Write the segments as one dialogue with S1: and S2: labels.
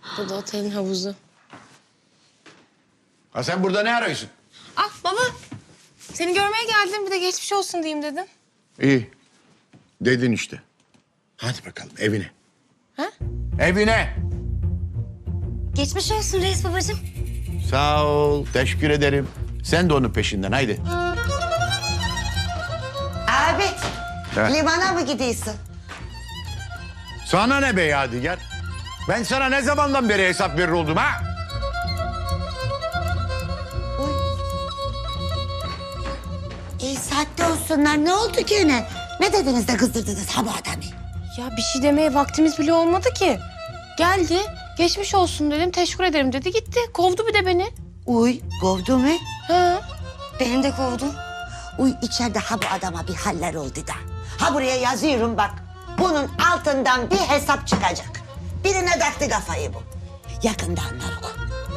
S1: Bu da otelin havuzu.
S2: Ha sen burada ne arıyorsun?
S1: Ah baba. Seni görmeye geldim. Bir de geçmiş olsun diyeyim dedim.
S2: İyi. Dedin işte. Hadi bakalım evine.
S1: Ha?
S2: Evine.
S3: Geçmiş olsun reis babacığım.
S2: Sağ ol. Teşekkür ederim. Sen de onun peşinden haydi.
S4: Abi,
S2: He.
S4: limana mı gidiyorsun?
S2: Sana ne be Yadigar? Ben sana ne zamandan beri hesap verir oldum ha?
S4: Oy. Saatte olsunlar. Ne oldu gene? Ne dediniz de kızdırdınız ha bu adamı?
S1: Ya bir şey demeye vaktimiz bile olmadı ki. Geldi. Geçmiş olsun dedim. Teşekkür ederim dedi. Gitti. Kovdu bir de beni.
S4: Uy, kovdu mu?
S1: Ha.
S3: Beni de kovdu.
S4: Uy, içeride ha bu adama bir haller oldu da. Ha buraya yazıyorum bak. Bunun altından bir hesap çıkacak. Birine taktı kafayı bu. Yakında anlarız.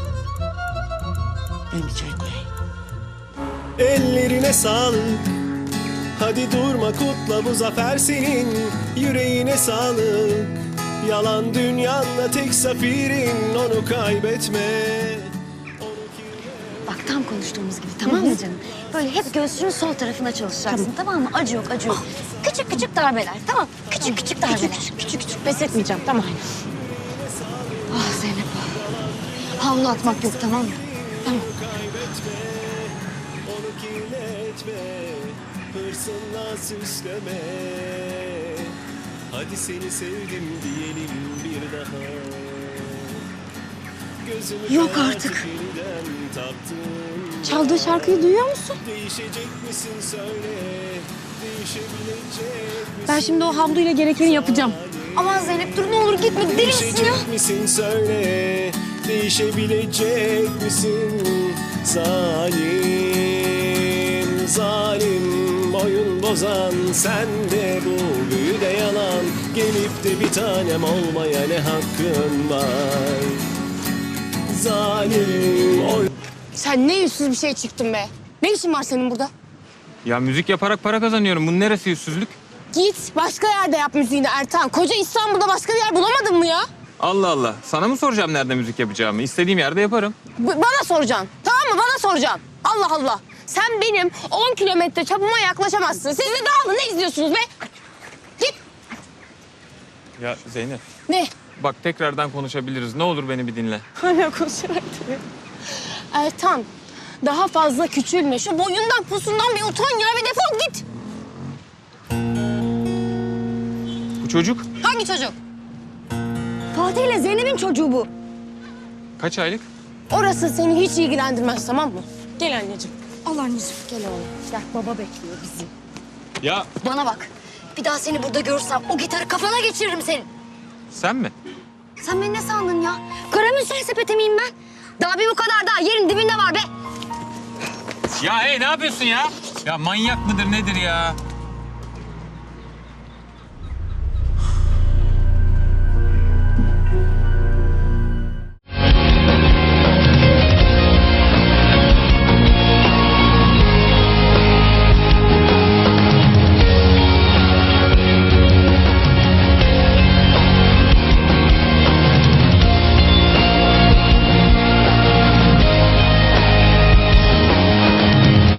S4: Ben bir çay koyayım.
S5: Ellerine sağlık. Hadi durma kutla bu zafer senin. Yüreğine sağlık. Yalan dünyanda tek zafirin. Onu kaybetme.
S3: Bak tam konuştuğumuz gibi tamam mı canım? Böyle hep göğsünün sol tarafına çalışacaksın tamam mı? Acı yok acı yok. Küçük küçük darbeler tamam. Küçük küçük darbeler.
S1: Küçük küçük pes etmeyeceğim. Tamam.
S3: Ah Zeynep. Havlu atmak yok tamam mı? Tamam.
S5: Onu kirletme. Hırsınla süsleme. Hadi seni sevdim diyelim bir daha. Gözümü
S3: Yok
S5: karartıp
S3: artık.
S5: yeniden taktım.
S1: Çaldığı şarkıyı duyuyor musun?
S5: Değişecek misin söyle. Değişebilecek misin?
S1: Ben şimdi o havluyla gerekeni yapacağım.
S3: Aman Zeynep dur ne olur gitme deli misin ya?
S5: Değişecek misin söyle. Değişebilecek misin? Zalim, zalim, oyun bozan sen de bu büyüde yalan. Gelip de bir tanem olmaya ne hakkın var? Zalim, oyun...
S1: Sen ne yüzsüz bir şey çıktın be. Ne işin var senin burada?
S6: Ya müzik yaparak para kazanıyorum. Bunun neresi yüzsüzlük?
S1: Git başka yerde yap müziğini Ertan. Koca İstanbul'da başka bir yer bulamadın mı ya?
S6: Allah Allah. Sana mı soracağım nerede müzik yapacağımı? İstediğim yerde yaparım.
S1: Bana soracaksın. Tamam mı? Bana soracaksın. Allah Allah. Sen benim 10 kilometre çapıma yaklaşamazsın. Siz de dağılın. Ne izliyorsunuz be? Git.
S6: Ya Zeynep.
S1: Ne?
S6: Bak tekrardan konuşabiliriz. Ne olur beni bir dinle.
S1: Hala konuşarak duruyor. Ertan, daha fazla küçülme. Şu boyundan posundan bir utan ya. Bir defol git.
S6: Bu çocuk
S1: Hangi çocuk?
S3: Fatih ile Zeynep'in çocuğu bu.
S6: kaç aylık?
S1: Orası seni hiç ilgilendirmez tamam mı? Gel anneciğim.
S3: Al anneciğim.
S1: Gel oğlum. Gel baba bekliyor bizi.
S6: Ya
S3: Bana bak. Bir daha seni burada görsem o gitarı kafana geçiririm senin.
S6: sen mi?
S3: Sen beni ne sandın ya? Karamürsel sepeti miyim ben? Daha bir bu kadar daha yerin dibinde var be.
S6: Ya hey ne yapıyorsun ya? Ya manyak mıdır nedir ya?